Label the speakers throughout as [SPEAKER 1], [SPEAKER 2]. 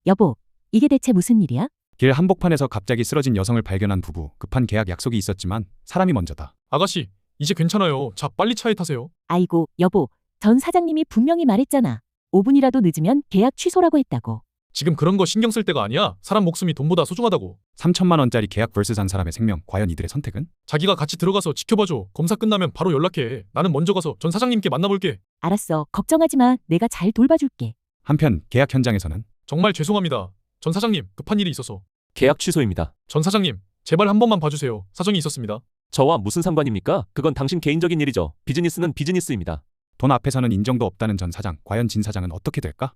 [SPEAKER 1] 여보, 이게 대체 무슨 일이야?
[SPEAKER 2] 길 한복판에서 갑자기 쓰러진 여성을 발견한 부부. 급한 계약 약속이 있었지만 사람이 먼저다.
[SPEAKER 3] 아가씨, 이제 괜찮아요. 자, 빨리 차에 타세요.
[SPEAKER 1] 아이고, 여보, 전 사장님이 분명히 말했잖아. 5분이라도 늦으면 계약 취소라고 했다고.
[SPEAKER 3] 지금 그런 거 신경 쓸 때가 아니야. 사람 목숨이 돈보다 소중하다고.
[SPEAKER 2] 3천만 원짜리 계약 vs 한 사람의 생명. 과연 이들의 선택은?
[SPEAKER 3] 자기가 같이 들어가서 지켜봐줘. 검사 끝나면 바로 연락해. 나는 먼저 가서 전 사장님께 만나볼게.
[SPEAKER 1] 알았어, 걱정하지 마. 내가 잘 돌봐줄게.
[SPEAKER 2] 한편 계약 현장에서는
[SPEAKER 3] 정말 죄송합니다. 전 사장님, 급한 일이 있어서.
[SPEAKER 4] 계약 취소입니다.
[SPEAKER 3] 전 사장님, 제발 한 번만 봐주세요. 사정이 있었습니다.
[SPEAKER 4] 저와 무슨 상관입니까? 그건 당신 개인적인 일이죠. 비즈니스는 비즈니스입니다.
[SPEAKER 2] 돈 앞에서는 인정도 없다는 전 사장. 과연 진 사장은 어떻게 될까?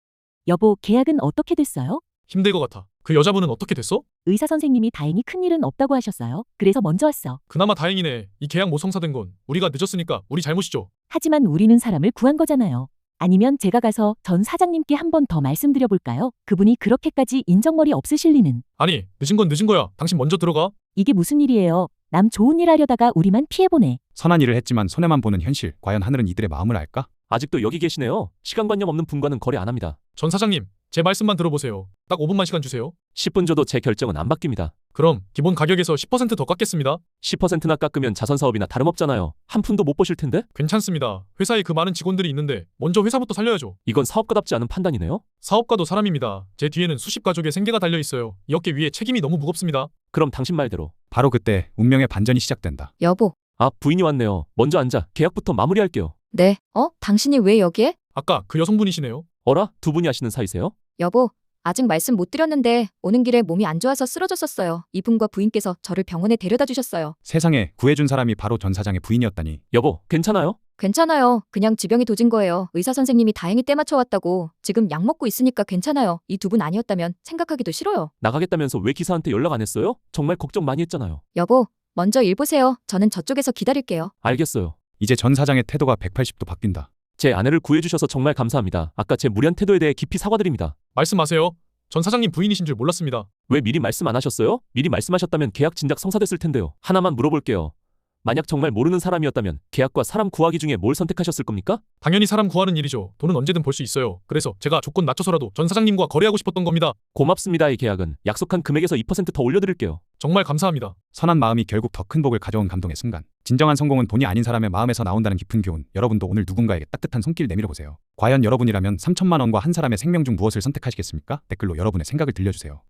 [SPEAKER 1] 여보, 계약은 어떻게 됐어요?
[SPEAKER 3] 힘들 것 같아. 그 여자분은 어떻게 됐어?
[SPEAKER 1] 의사 선생님이 다행히 큰일은 없다고 하셨어요. 그래서 먼저 왔어.
[SPEAKER 3] 그나마 다행이네. 이 계약 못 성사된 건 우리가 늦었으니까 우리 잘못이죠.
[SPEAKER 1] 하지만 우리는 사람을 구한 거잖아요. 아니면 제가 가서 전 사장님께 한 번 더 말씀드려 볼까요? 그분이 그렇게까지 인정머리 없으실 리는.
[SPEAKER 3] 아니, 늦은 건 늦은 거야. 당신 먼저 들어가.
[SPEAKER 1] 이게 무슨 일이에요? 남 좋은 일 하려다가 우리만 피해보네.
[SPEAKER 2] 선한 일을 했지만 손해만 보는 현실. 과연 하늘은 이들의 마음을 알까?
[SPEAKER 4] 아직도 여기 계시네요. 시간관념 없는 분과는 거래 안 합니다.
[SPEAKER 3] 전 사장님, 제 말씀만 들어보세요. 딱 5분만 시간 주세요.
[SPEAKER 4] 10분 줘도 제 결정은 안 바뀝니다.
[SPEAKER 3] 그럼 기본 가격에서 10% 더 깎겠습니다.
[SPEAKER 4] 10%나 깎으면 자선사업이나 다름없잖아요. 한 푼도 못 보실 텐데?
[SPEAKER 3] 괜찮습니다. 회사에 그 많은 직원들이 있는데 먼저 회사부터 살려야죠.
[SPEAKER 4] 이건 사업가답지 않은 판단이네요.
[SPEAKER 3] 사업가도 사람입니다. 제 뒤에는 수십 가족의 생계가 달려 있어요. 이 어깨 위에 책임이 너무 무겁습니다.
[SPEAKER 4] 그럼 당신 말대로.
[SPEAKER 2] 바로 그때 운명의 반전이 시작된다.
[SPEAKER 5] 여보,
[SPEAKER 4] 아, 부인이 왔네요. 먼저 앉아. 계약부터 마무리할게요.
[SPEAKER 5] 네, 당신이 왜 여기에?
[SPEAKER 3] 아까 그 여성분이시네요.
[SPEAKER 4] 어라? 두 분이 하시는 사이세요?
[SPEAKER 5] 여보, 아직 말씀 못 드렸는데 오는 길에 몸이 안 좋아서 쓰러졌었어요. 이분과 부인께서 저를 병원에 데려다 주셨어요.
[SPEAKER 2] 세상에 구해준 사람이 바로 전 사장의 부인이었다니.
[SPEAKER 4] 여보, 괜찮아요?
[SPEAKER 5] 괜찮아요. 그냥 지병이 도진 거예요. 의사 선생님이 다행히 때 맞춰 왔다고. 지금 약 먹고 있으니까 괜찮아요. 이 두 분 아니었다면 생각하기도 싫어요.
[SPEAKER 4] 나가겠다면서 왜 기사한테 연락 안 했어요? 정말 걱정 많이 했잖아요.
[SPEAKER 5] 여보, 먼저 일 보세요. 저는 저쪽에서 기다릴게요.
[SPEAKER 4] 알겠어요.
[SPEAKER 2] 이제 전 사장의 태도가 180도 바뀐다.
[SPEAKER 4] 제 아내를 구해주셔서 정말 감사합니다. 아까 제 무리한 태도에 대해 깊이 사과드립니다.
[SPEAKER 3] 말씀하세요. 전 사장님 부인이신 줄 몰랐습니다.
[SPEAKER 4] 왜 미리 말씀 안 하셨어요? 미리 말씀하셨다면 계약 진작 성사됐을 텐데요. 하나만 물어볼게요. 만약 정말 모르는 사람이었다면 계약과 사람 구하기 중에 뭘 선택하셨을 겁니까?
[SPEAKER 3] 당연히 사람 구하는 일이죠. 돈은 언제든 벌 수 있어요. 그래서 제가 조건 낮춰서라도 전 사장님과 거래하고 싶었던 겁니다.
[SPEAKER 4] 고맙습니다. 이 계약은 약속한 금액에서 2%더 올려드릴게요.
[SPEAKER 3] 정말 감사합니다.
[SPEAKER 2] 선한 마음이 결국 더 큰 복을 가져온 감동의 순간. 진정한 성공은 돈이 아닌 사람의 마음에서 나온다는 깊은 교훈. 여러분도 오늘 누군가에게 따뜻한 손길 내밀어 보세요. 과연 여러분이라면 3천만 원과 한 사람의 생명 중 무엇을 선택하시겠습니까? 댓글로 여러분의 생각을 들려주세요.